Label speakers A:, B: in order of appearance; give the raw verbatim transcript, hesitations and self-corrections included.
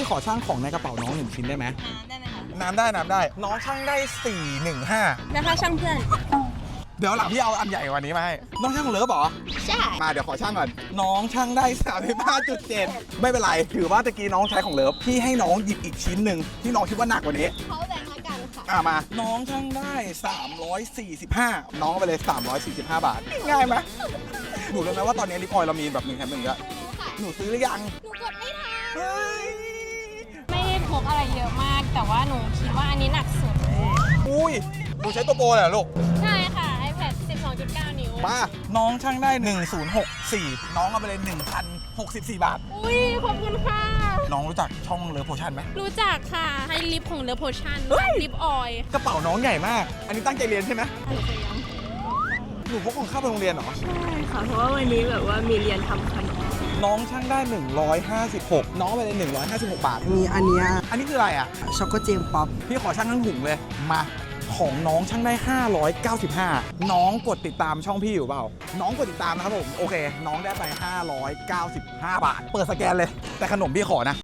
A: ขอช่างของในกระเป๋าน้องหนึ่งชิ้นได้ไหม
B: ได้ไหมคะ
A: น้ำได้น้ำได้น้องช่างได้สี่หนึ่งห้า
B: แล้วถ้าช่างเพื่อน
A: เดี๋ยวหลังพี่เอาอันใหญ่กว่านี้มาให้น้องช่างของเลิฟเหรอ
B: ใช่
A: มาเดี๋ยวขอช่างก่อนน้องช่างได้ สามสิบห้าจุดเจ็ด ไม่เป็นไรถือว่าตะกี้น้องใช้ของเลิฟพี่ให้น้องหยิบอีกชิ้นหนึ่งที่น้องคิดว่าหนักกว่านี้
B: เขาแบ่งให้กันค่ะ
A: อ่ะมาน้องช่างได้สามร้อยสี่สิบห้าน้องเอาไปเลยสามร้อยสี่สิบห้าบาทง่ายไหมหนูรู้ไหมว่าตอนนี้ลิปออยล์เรามีแบบหนึ่งแถมหนึ่งเยอะ
B: ค่ะ
A: หนูซื้อหรือยัง
B: หนูกดไม่ทัน
A: เฮ้ย
B: ไม่ได้พกอะไรเยอะมาก แต่ว่าหนูคิดว่าอันนี้หนักสุด
A: อุ้ยหนูใช้ตัวโปรเลยเหรอลูก
B: ใช่ค่ะ iPad สิบสองจุดเก้า นิ้ว
A: มาน้องช่างได้หนึ่งพันหกสิบสี่น้องเอาไปเลยหนึ่งพันหกสิบสี่บาท
B: อุ้ย ขอบคุณค่ะ
A: น้องรู้จักช่องเลิฟโพชั่นไหม
B: รู้จักค่ะ ให้ลิปของเลอโพชั่นลิปออยล์
A: กระเป๋าน้องใหญ่มาก อันนี้ตั้งใจเรียนใช่ไหมหนูพกของข้าวไปโรงเรียนเหรอ
C: ใช่ค่ะ เพราะว่าวันนี้แบบว่ามีเรียนทำขนม
A: น้องช่างได้หนึ่งร้อยห้าสิบหกน้องเอาไปเลยหนึ่งร้อยห้าสิบหกบาท
D: มีอันเนี้ย
A: อันนี้คืออะไรอ่ะ
D: ช็อกโกเจมป๊อป
A: พี่ขอช่างทั้งถุงเลย มาของน้องช่างได้ห้าร้อยเก้าสิบห้าน้องกดติดตามช่องพี่อยู่เปล่า น้องกดติดตามนะครับผม โอเค น้องได้ไปห้าร้อยเก้าสิบห้าบาท เปิดสแกนเลย แต่ขนมพี่ขอนะ